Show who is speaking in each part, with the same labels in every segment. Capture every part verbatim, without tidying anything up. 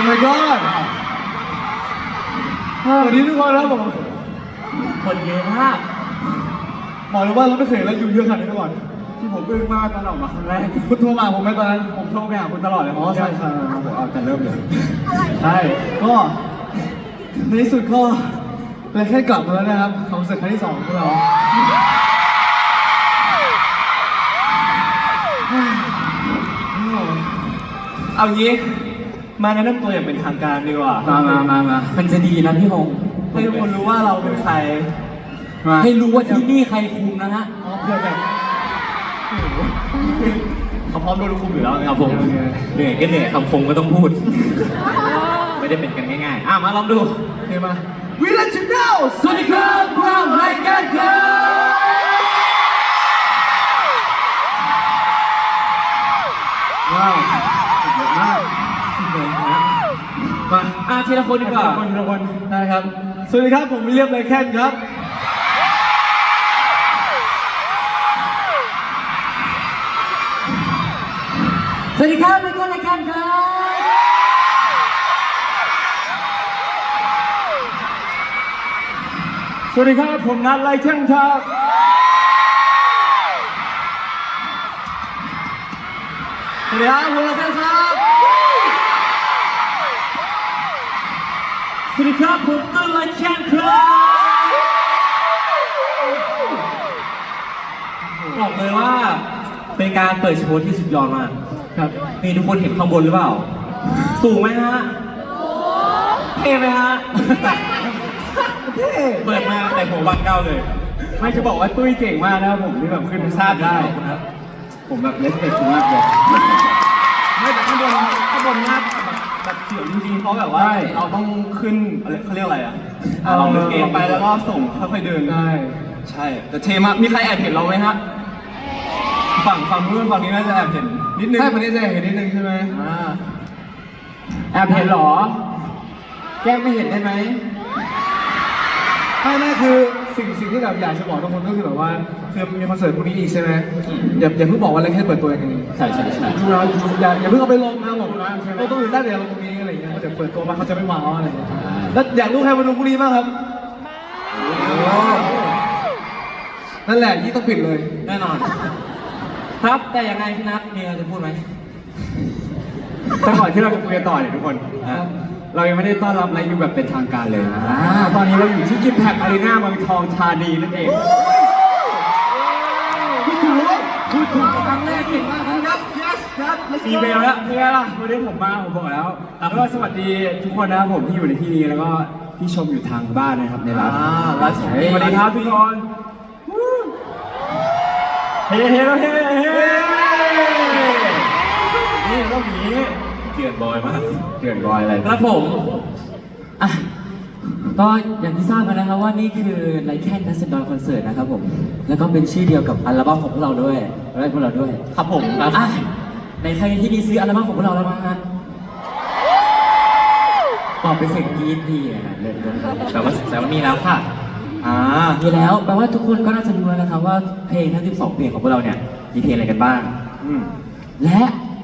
Speaker 1: my god วันนี้ทุกคนครับผม
Speaker 2: คนเยอะมาก
Speaker 1: บอกเลยว่าเราไม่เคยเห็นอะไรอยู่เยอะขนาดนี้มาก่อนที่ผมอึ้งมากตอนออกมาครั้งแรกคุณโทรมาผมไหมตอนนั้นผมโทรไปหาคุณตลอดเลยอ๋อใช่ใช่ผมเอาแต่เริ่มเลยใช่ก็ในที่สุดก็เลยแค่กลับมาแล้วนะครับคอนเสิร์ตครั้งที่สองของเรา
Speaker 2: เอางี้มาแนะนำตัวอย่างเป็นทางการดีกว่า
Speaker 1: มามามามา
Speaker 2: มันจะดีนะพี่ฮงให้ทุกคนรู้ว่าเราเป็นใครให้รู้ว่าที่นี่ใครคุมนะฮะ
Speaker 1: เพื่อแบบ
Speaker 2: เขาพร้อมโดนคุมอยู่แล้วนะครับผมเหนื่อยก็เหนื่อยคำคงก็ต้องพูดไม่ได้เป็นกันง่ายๆอ่ะมาลองดู
Speaker 1: เฮ้ยมาวิลเลจเดลสวัสดีครับพวกเรารายการครับว้าวเยอะมากสุดเลยนะมา
Speaker 2: อ่ะทีละคนดีกว่า
Speaker 1: ทีละคนได้ครับสวัสดีครับผมวิลเลียมไรแคนครับ
Speaker 2: สวัสดีครับเป็นคนรายการครับ
Speaker 1: สวัสดีครับผมนัทไรแคนครับ
Speaker 2: สวัสดีครับผมไรแคนครับสวัสดีครับผมต้นไรแคนครับบอกเลยว่าเป็นการเปิดโชว์ที่สุดยอดมาก
Speaker 1: ครับ
Speaker 2: นี่ทุกคนเห็นข้างบนหรือเปล่าสูงไหมฮะเท่ไหมฮะ
Speaker 1: เท่
Speaker 2: เปิดมาแต่หัววันเก้าเลย
Speaker 1: ไม่จะบอกว่าตุ้ยเก่งมากนะครับผมที่แบบขึ้นทราบได้นะครับผมแบบเลสเปคมากเลย
Speaker 2: ไม่แต่ข้างบนข้างบนหน้าแบบเสียวจริงๆเพราะแบบว่าเราต้องขึ้นอะไรเขาเรียกอะไรอ่ะเราเดินเองไปแล้วก็ส่งค่อยๆเดิน
Speaker 1: ได้
Speaker 2: ใช่แต่เท่มากมีใครแอบเห็นเราไหมฮะฝั่งฝั่งนู้นฝั่งนี้น่าจะแอบเห็นนิดนึง
Speaker 1: ใช่ฝั่งนี้จะเห็นนิดนึงใช่ไหม
Speaker 2: อ่า
Speaker 1: แอบเห็นหรอแกล้งไม่เห็นได้ไหมไม่ไม่คือสิ่งสิ่งที่แบบอยากจะบอกทุกคนก็คือแบบว่าคือมีคอนเสิร์ตพรุ่งนี้อีกใช่ไหมอย่าอย่าเพิ่งบอกว่าอะไรแค่เปิดตัวอย่างนี้
Speaker 2: ใช่ใช่ใช่
Speaker 1: ดูนะอย่าอย่าเพิ่งเอาไปลงนะบอกนะเราต้องอยู่ได้เดี๋ยวลงตรงนี้อะไรอย่างเงี้ยเดี๋ยวเปิดตัวมาเขาจะไม่ว้าวอะไรอย่างเงี้ยแล้วอยากรู้ใครมาดูพรุ่งนี้บ้างครับนั่นแหละยี่ต้องปิดเลย
Speaker 2: แน่นอนครับแต่ยังไงพี่นัทมีอะไรจะพูดไหม
Speaker 1: แต่ก่อนที่เราจะคุยกันต่อเนี่ยทุกคนเรายังไม่ได้ต้อนรับอะไรอยู่แบบเป็นทางการเลยตอนนี้เราอยู่ที่ยิมแพคอารีนาเมืองทองธานีนั่นเองพูดถูกพูดถูกครั้งแรกเก่งมากครับ yes yes
Speaker 2: มีเบลแล้ว
Speaker 1: เป็นไงล่ะวันนี้ผมมาผมบอกแล้วแล้วก็สวัสดีทุกคนนะครับผมที่อยู่ในที่นี้แล้วก็ที่ชมอยู่ทางบ้านนะครับในร้านสวัสดีครับทุกคนเฮ้เฮ้เฮ้เฮ้นี่ต้องอย่างนี้
Speaker 2: เกลื่อนบอยมาก
Speaker 1: เกลื่อนบอยอะไร
Speaker 2: ครับผมอ่ะก็อย่างที่ทราบกันนะครับว่านี่คือไลแคนนัสเซนดอนคอนเสิร์ตนะครับผมแล้วก็เป็นชื่อเดียวกับอัลบั้มของพวกเราด้วยและพวกเราด้วยครับผมอ่ะในใครที่มีซื้ออัลบั้มของพวกเราแล้วบ้างฮะตอบเป็นเสียงกรี๊ดดีนะเล่นๆแต่ว่าแต่ว่ามีแล้วค่ะอ่ามีแล้วแปลว่าทุกคนก็น่าจะรู้แล้วนะครับว่าเพลงทั้งสิบสองเพลงของพวกเราเนี่ยมีเพลงอะไรกันบ้างและ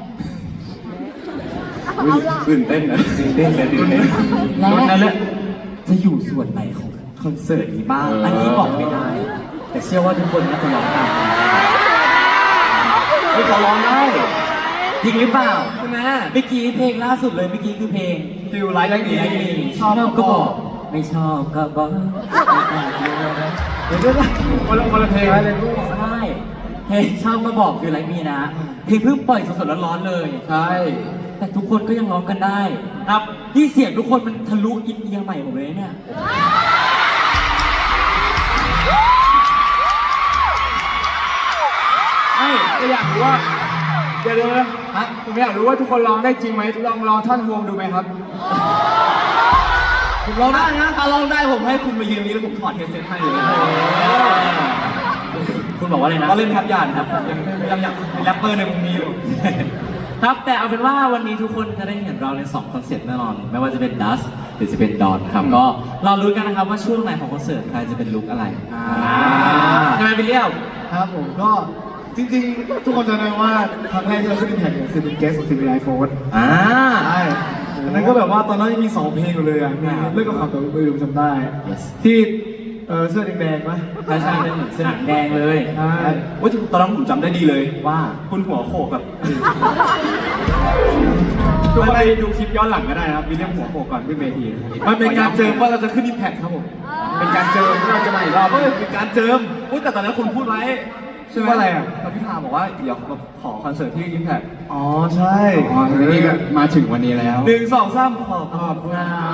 Speaker 1: ตื่นเต้นนะ
Speaker 2: ตื่นเต้นเลยตื่นเต้นและจะอยู่ส่วนไหนของคอนเสิร์ตนี้บ้างอันนี้บอกไม่ได้แต่เชื่อว่าทุกคนน่าจะร้องได้
Speaker 1: ไม่ขอร้องได้
Speaker 2: จริงหรือเปล่าใช่ไหมเมื่อกี้เพลงล่าสุดเลยเมื่อกี้คือเพลง
Speaker 1: Feel Like Me
Speaker 2: ชอบก็บอกไม่ชอบก็บอก
Speaker 1: เดี๋ยวด้วยคนละคนละเพลงอะไรลูก
Speaker 2: ใช่เพลงชอบก็บอกคืออะไรมีนะเพลงเพิ่งปล่อยสดๆร้อนๆเลย
Speaker 1: ใช่
Speaker 2: แต่ทุกคนก็ยังร้องกันได้ครับที่เสียงทุกคนมันทะลุอินเอียร์ใหม่หมดเลยเนี่ย
Speaker 1: ไม่ก็อยากรู้ว่าเดี๋ยวเลยฮะผมอยากรู้ว่าทุกคนร้องได้จริงไหมลองลองท่อนฮวงดูไหมครับ
Speaker 2: ผมร้องได้นะถ้าร้องได้ผมให้คุณมายืนนี้แล้วผมถอดเฮดเซ็ตให้เลยคุณบอกว่าอะไรนะก็เล่นแทบยานครับยังยังยังแรปเปอร์ในวงนี้อยู่ครับแต่เอาเป็นว่าวันนี้ทุกคนจะได้เห็นเราในสองคอนเซ็ปต์แน่นอนไม่ว่าจะเป็น Dust หรือจะเป็น Dawn ครับก็เรารู้กันนะครับว่าช่วงไหนของคอนเสิร์ตใครจะเป็นลุคอะไรใช่ไหมพี่เลี้ยว
Speaker 1: ครับผมก็จริงๆทุกคนจะรู้ว่าครั้งแรกที่เราขึ้นอิมแพคเนี่ยคือเป็นเกสของทีวีไอโฟน
Speaker 2: อ่า
Speaker 1: ใช่ผมอันนั้นก็แบบว่าตอนนั้นยังมีสองเพลงอยู่เลยอ่ะมีเรื่องกับความตัวอื่นจำได้ ที่เออเสื้อแดงๆไหม
Speaker 2: ใช่ใช่เป็นเหมือนสนามแดงเลย
Speaker 1: ใช่
Speaker 3: ว่าตอนนั้นผมจำได้ดีเลย
Speaker 2: ว่า
Speaker 3: คุณหัวโขกแบบ
Speaker 1: ทุกคนไปดูคลิปย้อนหลังก็ได้นะครับมีเรื่องหัวโขกก่อนขึ้นเวทีมันเป็นการเจิมว่าเราจะขึ้นอิมแพคครับผมเป็นการเจิมที่เราจะมาอีกรอบเออเป็นการเจิม
Speaker 3: อุ้ยแต่ตอนนั้นคุณพูดไว้ใช่ไหม
Speaker 1: ว่าอะไรอ่ะ
Speaker 3: แล้วพี่ทาบอกว่าเดี๋ยวขอคอนเสิร์ตที่อิมแพค
Speaker 1: อ๋อใช่
Speaker 3: อ๋อทีนี้ก็มาถึงวันนี้แล้ว
Speaker 1: หนึ่งสองสามขอบ
Speaker 2: ขอบคุณ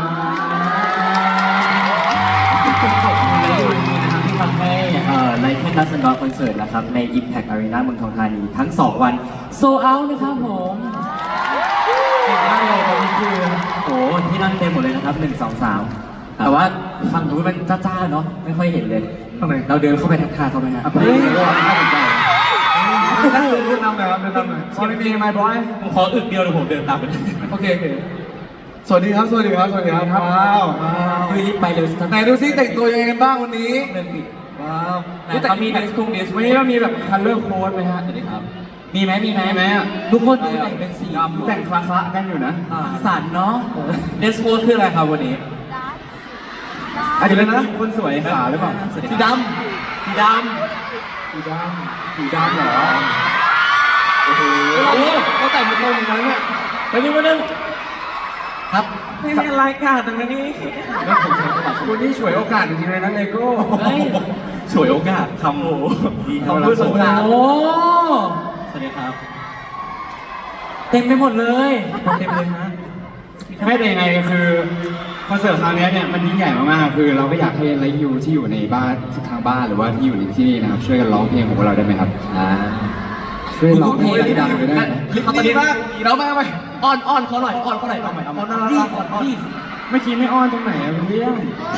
Speaker 2: ขอบคุณในวันนี้นะครับที่ทำให้เอ่อไลท์แคนดัสดอคอนเสิร์ตนะครับใน Impact Arena เมืองทองธานีทั้งสองวันโซเอานะครับผมเก่งมากเลยตอนนี้คือโอ้โหที่นั่งเต็มหมดเลยนะครับหนึ่งสองสามแต่ว่าฝั่งนู้นมันจ้าๆเนาะไม่ค่อยเห็นเลย
Speaker 1: ข้างใน
Speaker 2: เราเดินเข้าไปทักทายเขาไหมฮะ
Speaker 1: เฮ้ยน่าสนใจนั่งเดินเดินนำหน่อยครับเดินนำหน่อยสวัสดีไมค์บอย
Speaker 2: ผมขออึกเดียวเดี๋ยวผมเดินตามไป
Speaker 1: โอเคโอเคสวัสดีครับสวัสดีครับสวัสดีครับว้าว
Speaker 2: เฮ้ยรีบไปเร็วสิ
Speaker 1: ไหนดูซิแต่งตัวยังไงกันบ้างวันนี้
Speaker 2: เดินปิด
Speaker 1: ว้าว
Speaker 2: แต่เขามีเดสคุงเดส
Speaker 1: วันนี้เรามีแบบคัลเลอร์โค้ดไหมฮะ
Speaker 2: สวัสดีครับ มีไหมมีไหม
Speaker 1: มีไหมอะ
Speaker 2: ทุกคนดูแต่งเป็นสี
Speaker 1: แต่งคละๆกันอยู่นะ
Speaker 2: สันเนาะเดสโค้ดคืออะไรครับวันนี้
Speaker 1: อาจจะเป็นนะคนสวยขาหรือเปล่า
Speaker 2: สวัสดี
Speaker 1: สี
Speaker 2: ค
Speaker 1: ด
Speaker 2: รับ สีด
Speaker 1: ำสีดำสีดำเหรอ
Speaker 2: ำโอ้โห
Speaker 1: เขาแต่งเป็นตัวอย่างนั้นเนี่ย
Speaker 2: ไปนึงมานึงครับนี่เป็นรายการตรงนี้
Speaker 1: แล้วผมใช้กระดาษคุณนี่ฉวยโอกาสจริงๆเลยนะเลโก้
Speaker 2: เฮ้ย
Speaker 3: ฉวยโอกาสคำโอ้
Speaker 1: คำพูดสงคราม
Speaker 2: โอ้สวัสดีครับ เต็มไปหมดเลย
Speaker 1: เต็มเลยฮะไม่แต่ยังไงคือคอนเสิร์ตคราวนี้เนี่ยมันยิ่งใหญ่มากๆคือเราก็อยากให้ไลฟ์ยูที่อยู่ในบ้านทางบ้านหรือว่าที่อยู่ในที่นี่นะครับช่วยกันร้องเพลงของพวกเราได้ไหมครับ
Speaker 2: อ่า
Speaker 1: ช่วยร้องเพลงดังๆเลยได้ไหม
Speaker 2: เอาตอนนี้
Speaker 1: บ้างเรามาไหม
Speaker 2: อ้อนอ้อนเขาหน่อยอ้อนเขาหน่อยเอาใหม่เอาใหม่
Speaker 1: อ้อนน่ารักอ้อนอ้อนไม่คิดไม่อ้อนตรงไหนอะเป็นเรื่อง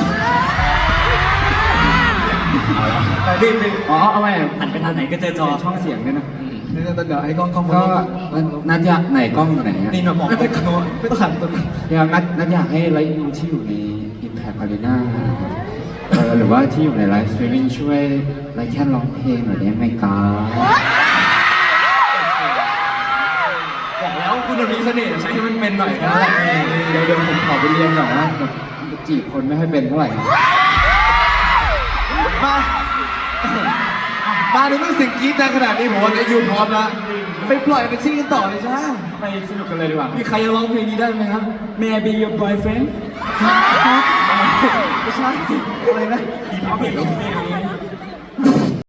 Speaker 1: แต่ดิดิอ๋อเอาไว้
Speaker 2: หันไปทางไหนก็เจอจอ
Speaker 1: ช่องเสียงด้วยนะ
Speaker 2: อืม
Speaker 1: เดี๋ยวเดี๋ยวให้กล้องกล้องก็นัดอยากไหนกล้องอยู่ไหนอะ
Speaker 2: นี่มาบอก
Speaker 1: ไม่ต้องไม่ต้องหันตัวอยากนัดนัดอยากให้ไลฟ์ยูที่อยู่ใน Impact Arena เออหรือว่าที่อยู่ในไลฟ์สตรีมมิ่งช่วยไลฟ์แค่ร้องเพลงหน่อยได้ไหมครับ
Speaker 3: บอกแล้วคุณมีเสน่ห์ใช้ให้มันเป็นหน่อยนะ
Speaker 1: เดี๋ยวเดี๋ยวผมขอไปเรียนก่อนนะแบบจีบคนไม่ค่อยเป็นเท่าไหร่มามาดูเรื่องสิ่งกรี๊ดดังขนาดนี้ผมว่าจะอยู่พร้อมแล้วไปปล่อยไปชิ่งกันต่อเลยจ้าไปสนุกกันเลยดีกว่ามีใครจะร้องเพลงนี้ได้ไหมครับ May I be your boyfriend ไม่ใช่อะไรนะ
Speaker 3: พี่เห็นแล้ว